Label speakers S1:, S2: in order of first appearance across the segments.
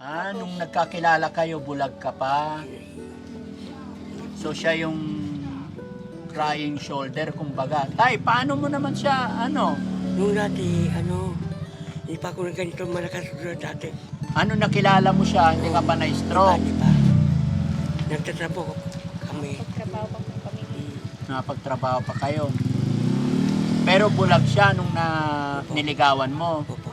S1: Nung nagkakilala kayo, bulag ka pa. So siya yung crying shoulder, kumbaga. Tay, paano mo naman siya,
S2: Nung dati, hindi pa ako na ganito malakas dati.
S1: Nakilala mo siya, hindi ka pa na-stroke?
S2: Di ba? Nagtatrapo kami.
S3: Pagtrabaho pa kami.
S1: Napagtrabaho pa kayo. Pero bulag siya nung niligawan mo.
S2: Opo.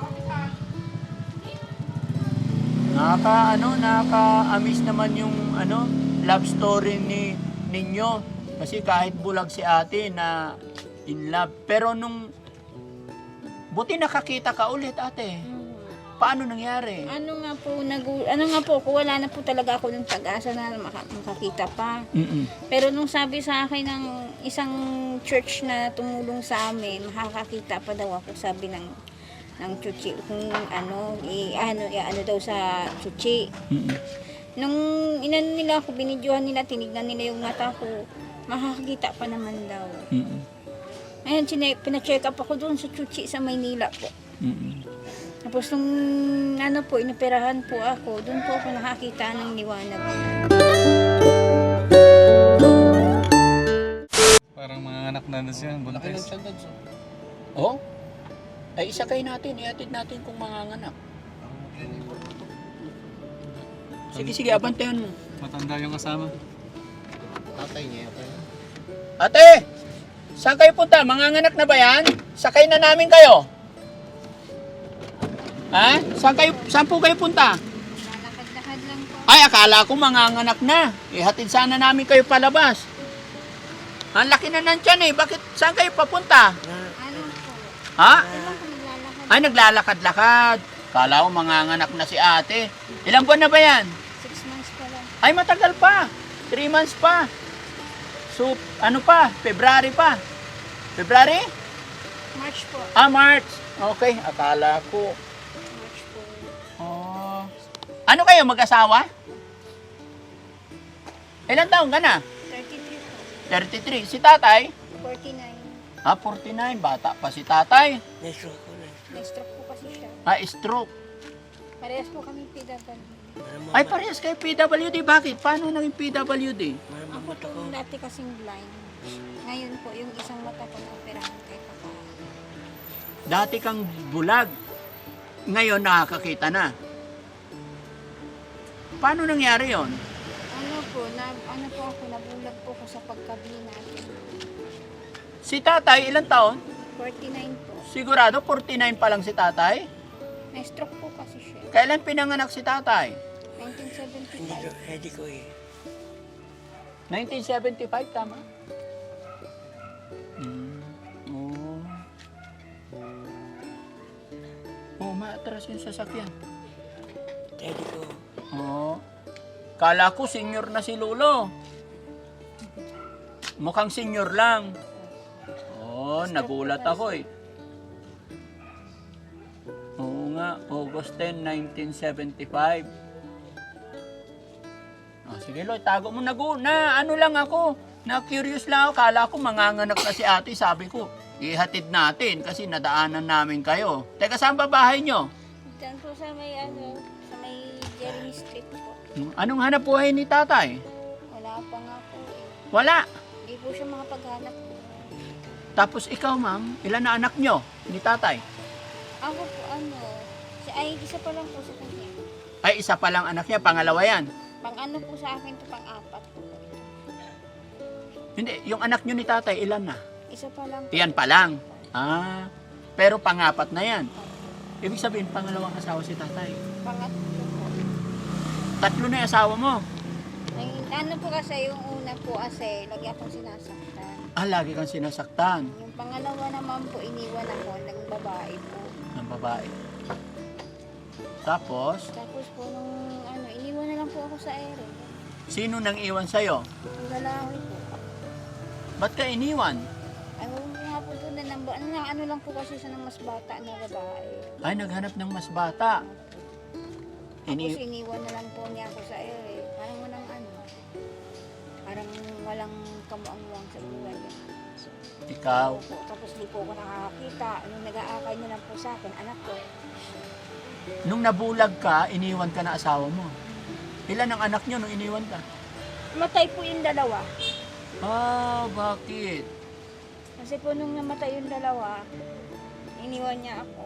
S1: Nakaka-amaze naman yung love story ninyo. Kasi kahit bulag si ate na in love. Pero buti nakakita ka ulit, ate. Paano nangyari?
S3: Ano nga po, kung wala na po talaga ako ng pag-asa na makakita pa. Pero nung sabi sa akin ng isang church na tumulong sa amin, makakakita pa daw ako, sabi ng chuchi, kung ano daw sa chuchi. Nung inano nila ako, binidyohan nila, tinignan nila yung mata ko, makakakita pa naman daw. Ayun, pina-check up ako doon sa chuchi sa Maynila po. Tapos nung inoperahan po ako, doon po ako nakakita ng liwanag.
S4: Parang mga anak na siya, buntis.
S1: Oh? Ay, isakay natin, ihatid natin kung manganganak. Sige, abantayan mo.
S4: Matanda yung kasama.
S5: Tatay niya.
S1: Ate! Saan kayo punta? Manganganak na ba yan? Sakay na namin kayo. Ha? Saan po kayo punta?
S3: Lalakad-lakad lang po.
S1: Ay, akala ko manganganak na. Ihatid sana namin kayo palabas. Ang laki na ng tiyan eh. Bakit? Saan kayo papunta?
S3: Ano po?
S1: Ha?
S3: Ilan po naglalakad?
S1: Ay, naglalakad-lakad. Kala ko manganganak na si ate. Ilang buwan na ba yan?
S3: 6 months pa lang.
S1: Ay, matagal pa. 3 months pa. So, February pa. February?
S3: March po.
S1: March. Okay, akala ko.
S3: March po.
S1: Oh. Ano kayo, mag-asawa? Ilang taon ka na?
S3: 33 po.
S1: 33. Si tatay?
S3: 49.
S1: 49. Bata pa si tatay.
S2: Nesro ko na.
S3: Na-stroke po kasi siya.
S1: Stroke.
S3: Parehas po kami PW.
S1: Ay, parehas kayo PWD. Bakit? Paano naging PWD?
S3: Ako po dati kasing blind. Ngayon po, yung isang mata ko na-operahan kahit pa.
S1: Dati kang bulag. Ngayon nakakakita na. Paano nangyari yon?
S3: Ano po ako, nabulag po ko sa pagkabili natin.
S1: Si tatay, ilang taon?
S3: 49 po.
S1: Sigurado 49 pa lang si tatay?
S3: Na-stroke po kasi siya.
S1: Kailan pinanganak si tatay?
S3: 1975.
S2: Ready ko eh.
S1: 1975, tama? Maatras yung sasakyan.
S2: Ready ko.
S1: Kala ko senior na si Lolo. Mukhang senior lang. Nagulat ako eh. Oo nga, August 10, 1975. Sige Loy, tago mo na lang ako. Na-curious lang ako. Kala ko manganganak na si ate. Sabi ko, ihatid natin kasi nadaanan namin kayo. Teka, saan ba bahay nyo?
S3: Diyan po sa may Jeremy Street po.
S1: Anong hanap buhay ni tatay?
S3: Wala pa nga po eh.
S1: Wala.
S3: Hindi po siya makapaghanap po.
S1: Tapos ikaw ma'am, ilan na anak nyo ni tatay?
S3: Ako po isa pa lang po sa kanya.
S1: Ay, isa pa lang anak niya, pangalawa yan.
S3: Pang-ano po sa akin to, pang-apat po.
S1: Hindi, yung anak nyo ni tatay, ilan na?
S3: Isa pa lang po.
S1: Iyan pa lang. Pero pangapat na yan. Ibig sabihin, pangalawang asawa si tatay.
S3: Pangatlo po.
S1: 3 na yung asawa mo.
S3: Ano po kasi, yung una po kasi, lagi akong sinasaktan.
S1: Lagi kang sinasaktan
S3: Yung pangalawa naman po, iniwan ako ng babae po.
S1: ng babae. Tapos,
S3: Po, nung iniwan na lang po ako sa ere.
S1: sino nang iwan sa'yo?
S3: Ang lalaki po.
S1: Ba't ka iniwan?
S3: Ano nga po doon ano lang po kasi sa ng mas bata na babae.
S1: Ay, naghanap ng mas bata.
S3: Tapos iniwan na lang po niya ako sa ere. Parang walang kamuang-muang sa buhay.
S1: Ikaw.
S3: Tapos di po ako nakakakita. Nung nag-aakay niya lang po sa akin, anak ko.
S1: Nung nabulag ka, iniwan ka na asawa mo. Ilan ang anak nyo nung iniwan ka?
S3: Matay po yung dalawa.
S1: Ah, bakit?
S3: Kasi po nung namatay yung dalawa, iniwan niya ako.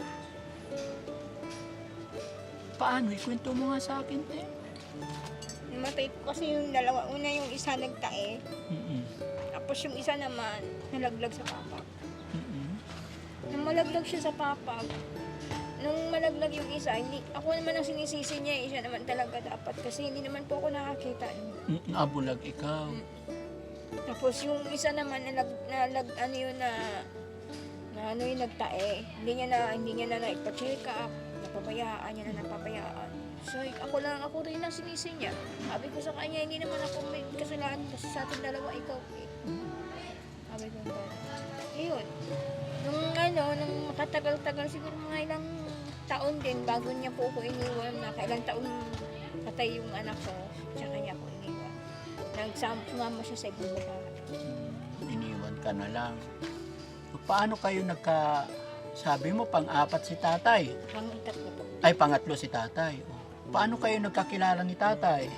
S1: Paano? Ikwento mo nga sa akin, te.
S3: Namatay po kasi yung dalawa. Una yung isa nagtae,
S1: Mm-mm.
S3: tapos yung isa naman nalaglag sa papag.
S1: Mm-mm.
S3: Nung malaglag siya sa papag, nung malaglag yung isa, hindi, ako naman ang sinisisi niya, siya naman talaga dapat kasi hindi naman po ako nakakita.
S1: Mm-mm. Ah, bulag ikaw.
S3: Tapos yung isa naman ano yun na ano yung nagtae, hindi niya na naipa-check up, napabayaan niya na napabayaan. So ako rin ang sinisi niya. Sabi ko sa kanya, hindi naman ako may kasalanan kasi sa ating dalawa ikaw eh. Sabi ko ba? Ayun. Nung makatagal-tagal siguro mga ilang taon din bago niya po ako iniwan na kailang taon patay yung anak ko, tsaka niya ako iniwan. Nagsama siya sa ibang babae.
S1: Iniwan ka na lang. So, paano kayo sabi mo, pang-apat si tatay?
S3: Pang-itatlo po.
S1: Ay, pangatlo si tatay. Oh. Paano kayo nagkakilala ni tatay?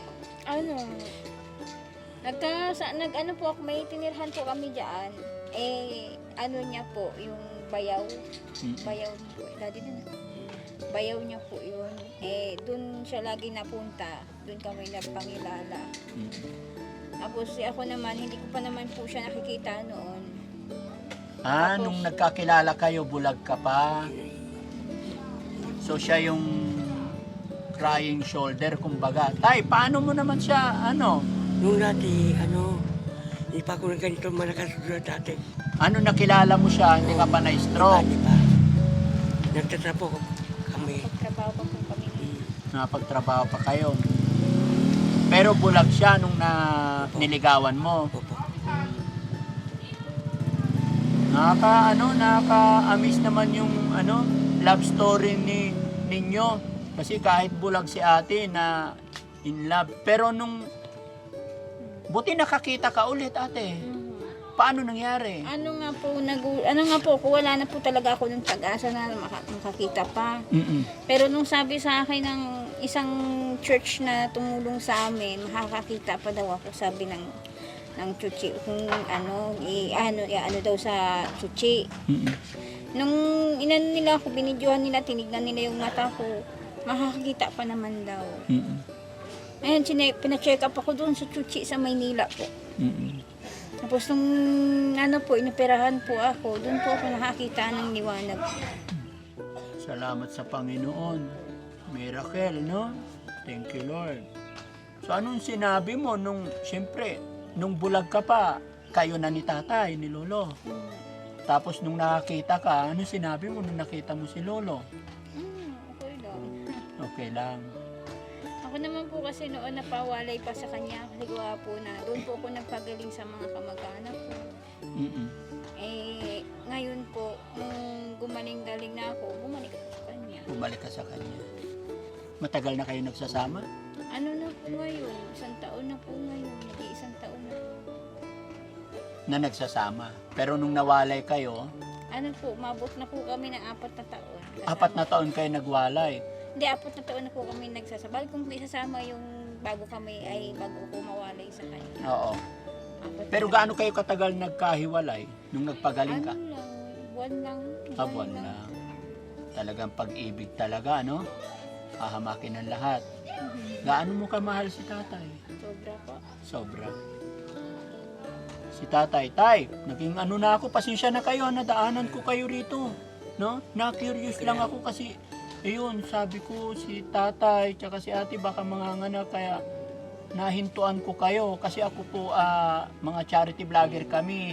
S3: Nag-ano po ako, may tinirhan po kami dyan. Ano niya po, yung bayaw. Bayaw niya po. Daddy din. Bayaw niya po yun. Dun siya lagi napunta. Dun kami nagpangilala. Tapos ako naman, hindi ko pa naman po siya nakikita noon.
S1: Ah,
S3: Tapos,
S1: nung nagkakilala kayo, bulag ka pa. So siya yung crying shoulder, kumbaga. Tay, paano mo naman siya,
S2: Nung dati, hindi pa ako ng ganito malakas dati.
S1: ano nakilala mo siya, hindi ka pa na-stroke?
S2: Di ba? Nagtatrapo kami.
S3: Pagtrabaho pa po kami.
S1: Napagtrabaho pa kayo. Pero bulag siya nung niligawan mo.
S2: Opo.
S1: Nakaka-amaze naman yung love story ninyo. Kasi kahit bulag si ate na in love. Pero buti nakakita ka ulit, ate. Paano nangyari?
S3: Ano nga po, kung wala na po talaga ako ng pag-asa na makakita pa.
S1: Mm-mm.
S3: Pero nung sabi sa akin ng isang church na tumulong sa amin, makakakita pa daw ako, sabi ng chuchi, kung ano daw sa chuchi.
S1: Mm-mm.
S3: Nung inano nila ako, binidyohan nila, tinignan nila yung mata ko, makakakita pa naman daw.
S1: Mm-mm.
S3: Ayun, pina-check up ako doon sa chuchi sa Maynila po.
S1: Mm-mm.
S3: Tapos nung inoperahan po ako, doon po ako nakakita ng liwanag.
S1: Salamat sa Panginoon. Miracle, no? Thank you, Lord. So, anong sinabi mo siyempre, nung bulag ka pa, kayo na ni tatay, ni lolo. Tapos nung nakakita ka, anong sinabi mo nung nakita mo si lolo?
S3: Okay lang.
S1: Okay lang.
S3: Ako naman po kasi noon napawalay pa sa kanya kasi gwapo na. Doon po ako nagpagaling sa mga kamag-anak ko.
S1: Mm-mm.
S3: Ngayon po, nung gumaling-galing na ako, bumalik ako sa kanya.
S1: Bumalik ka sa kanya. Matagal na kayo nagsasama?
S3: Ano na po ngayon? 1 taon na po ngayon. Nag-iisang taon na.
S1: Na nagsasama. Pero nung nawalay kayo,
S3: Ano po, mabot na po kami ng 4 na taon.
S1: 4 na taon kayo nagwalay.
S3: Hindi, 4 na taon na po kami nagsasabay. Kung may isasama yung bago ko mawalay sa kanya.
S1: Oo.
S3: 4
S1: Pero
S3: na.
S1: gaano kayo katagal nagkahiwalay nung nagpagaling ka?
S3: Ano lang, buwan lang.
S1: Buwan lang. Talagang pag-ibig talaga, no? Hahamakin ang lahat. Gaano mo kamahal si tatay?
S3: Sobra po.
S1: Sobra. Si tatay, tay, naging na ako, pasensya na kayo, nadaanan ko kayo rito. No? Na-curious lang ako kasi, sabi ko si tatay, tsaka si ate baka manganganak, kaya nahintuan ko kayo. Kasi ako po, mga charity vlogger kami.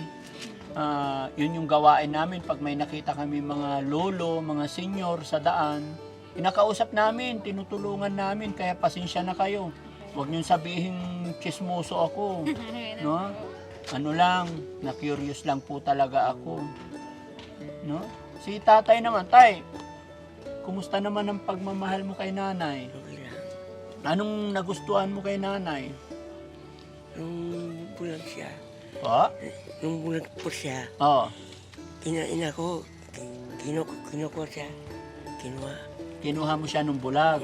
S1: Yun yung gawain namin pag may nakita kami mga lolo, mga senior sa daan. Inakausap namin, tinutulungan namin, kaya pasensya na kayo. Huwag niyong sabihin chismoso ako. No? Ano lang, na-curious lang po talaga ako. No? Si tatay naman, tay, kumusta naman ang pagmamahal mo kay nanay?
S2: Okay lang.
S1: Anong nagustuhan mo kay nanay?
S2: Nung bulag siya,
S1: Oh?
S2: nung bulag po siya,
S1: Oh.
S2: ina ko, kinuha siya, kinuha.
S1: Kinuha mo siya nung bulag.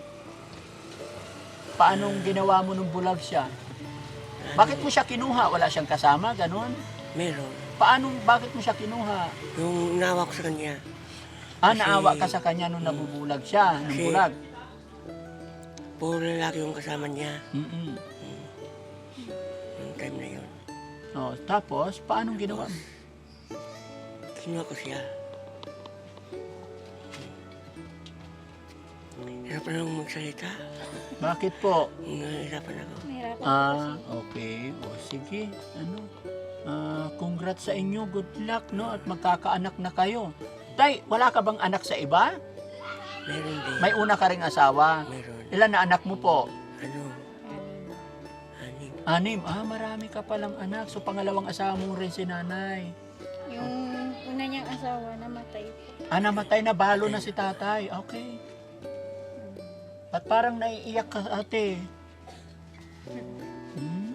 S1: Paanong ginawa mo nung bulag siya? Bakit mo siya kinuha? Wala siyang kasama, ganun?
S2: Meron.
S1: Bakit mo siya kinuha?
S2: Yung nawa ko sa kanya.
S1: Naawa ka sa kanya nung nabubulag siya, nung
S2: Kasi-
S1: bulag.
S2: Puro lalaki yung kasama niya.
S1: Mm-mm.
S2: Yung time na yun.
S1: Oh, tapos, paanong ginawa mo?
S2: Kinuha ko siya. Hirapan akong magsalita.
S1: Bakit po?
S2: Nahihirapan ako.
S3: Mahirapan po
S1: Okay. O, sige. Congrats sa inyo. Good luck, no? At magkakaanak na kayo. Tay, wala ka bang anak sa iba?
S2: Meron din.
S1: May una ka ring asawa.
S2: Meron.
S1: Ilan na anak mo po?
S2: Ano? Anim.
S1: 6. Marami ka palang anak. So, pangalawang asawa mo rin si nanay.
S3: Yung una niyang asawa, namatay po.
S1: Namatay na. Balo na si tatay. Okay. At parang naiiyak ka, ate. Hmm?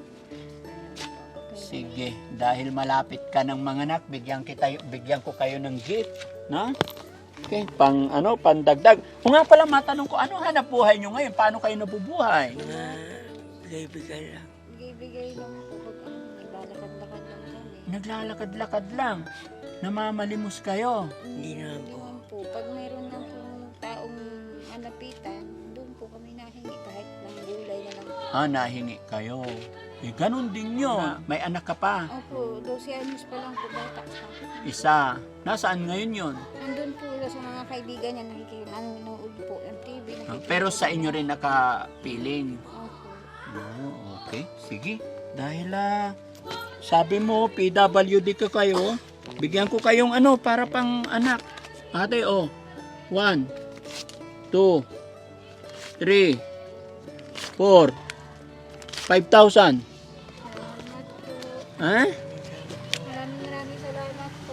S1: Sige, dahil malapit ka ng mga anak, bigyan ko kayo ng gift, no? Okay, pandagdag. Kung nga pala matanong ko, ano hanap buhay nyo ngayon? Paano kayo nabubuhay?
S2: Mga bigay-bigay lang.
S3: Bigay lang po pag naglalakad-lakad lang kami.
S1: Naglalakad-lakad lang. Namamalimos kayo.
S2: Hindi naman po.
S3: Yun po, pag mayroon na po taong malapitan, doon po kami nahingi kahit lang gulay na lang.
S1: Nahingi kayo. Ganun din nyo. May anak ka pa.
S3: Opo, 12 anos pa lang po bata pa.
S1: Isa. Nasaan ngayon yun?
S3: Nandun po sa mga kaibigan niya, nanonood po ng TV.
S1: Pero sa inyo rin nakapiling.
S3: Opo.
S1: Okay, sige. Dahil sabi mo, PWD ka kayo, bigyan ko kayong para pang anak. Ate, 1, 2, 3, 4, 5,000.
S3: Salamat po.
S1: Ha?
S3: Maraming salamat po.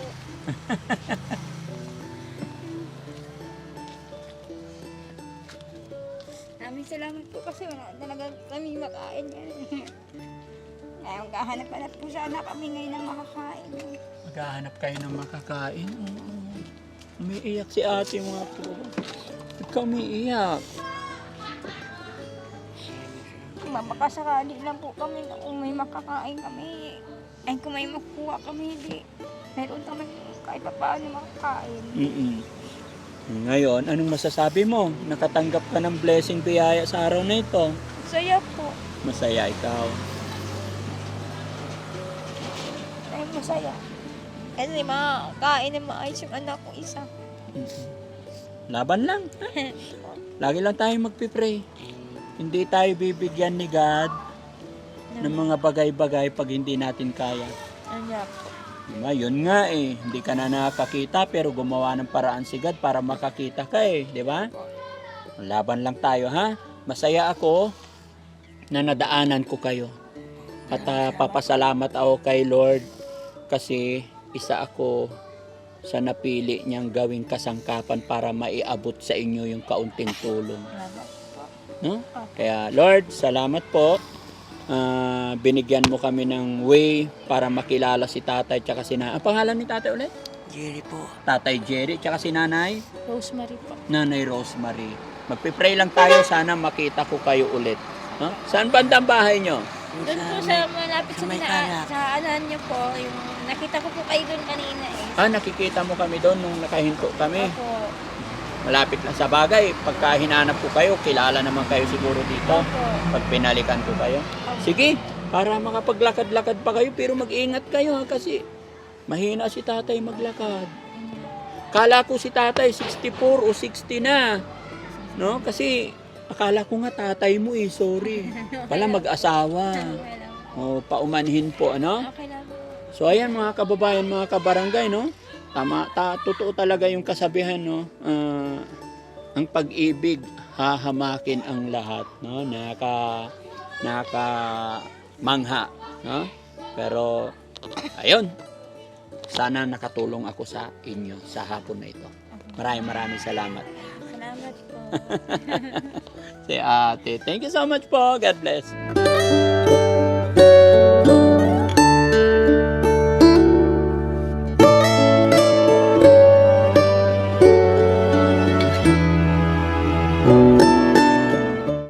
S3: Maraming salamat po kasi wala talaga kami makain yan. Kaya maghahanap-hanap po sana kami ngayon ng makakain.
S1: Maghahanap kayo ng makakain. Oo. Umiiyak si ate mga po. Ba't ka umiiyak?
S3: Makasakali lang po kami na kung may makakain kami. Ay kung may makuha kami, hindi. Meron kami kahit pa paano makakain.
S1: Ngayon, anong masasabi mo? Nakatanggap ka ng blessing biyaya sa araw na ito.
S3: Saya po.
S1: Masaya ikaw.
S3: Ay masaya. Kasi makakain na maayos yung anak ko isa.
S1: Laban lang. Lagi lang tayo magpipray. Hindi tayo bibigyan ni God ng mga bagay-bagay pag hindi natin kaya.
S3: Anak.
S1: Diba? Yun nga hindi ka na nakakita pero gumawa ng paraan si God para makakita ka diba? Laban lang tayo ha. Masaya ako na nadaanan ko kayo. At papasalamat ako kay Lord kasi isa ako sa napili niyang gawing kasangkapan para maiabot sa inyo yung kaunting tulong. No? Kaya Lord, salamat po. Binigyan mo kami ng way para makilala si tatay tsaka si nanay. Ang pangalan ni tatay ulit?
S2: Jerry po.
S1: Tatay Jerry tsaka si nanay?
S3: Rosemary po.
S1: Nanay Rosemary. Magpipray lang tayo, sana makita ko kayo ulit. No? Saan bandang bahay nyo?
S3: Doon po sa malapit sa
S2: may
S3: mina,
S2: kalak.
S3: sa anan niyo po, yung nakita ko po kayo doon kanina
S1: Nakikita mo kami doon nung nakahinto kami.
S3: Opo.
S1: Malapit lang sa bagay. Pagka hinanap ko kayo, kilala naman kayo siguro dito.
S3: Opo.
S1: Pag pinalikan ko kayo. Sige, para makapaglakad-lakad pa kayo, pero mag-ingat kayo kasi mahina si tatay maglakad. Kala ko si tatay 64 o 60 na. No? Kasi akala ko nga tatay mo sorry. Pala mag-asawa. O, paumanhin po, ano?
S3: Okay lang po.
S1: So ayan mga kababayan, mga kabarangay, no? Totoo talaga yung kasabihan, no? Ang pag-ibig hahamakin ang lahat, no? Mangha, no? Pero ayun. Sana nakatulong ako sa inyo sa hapon na ito. Maraming salamat.
S3: Salamat po.
S1: Si ate. Thank you so much po. God bless.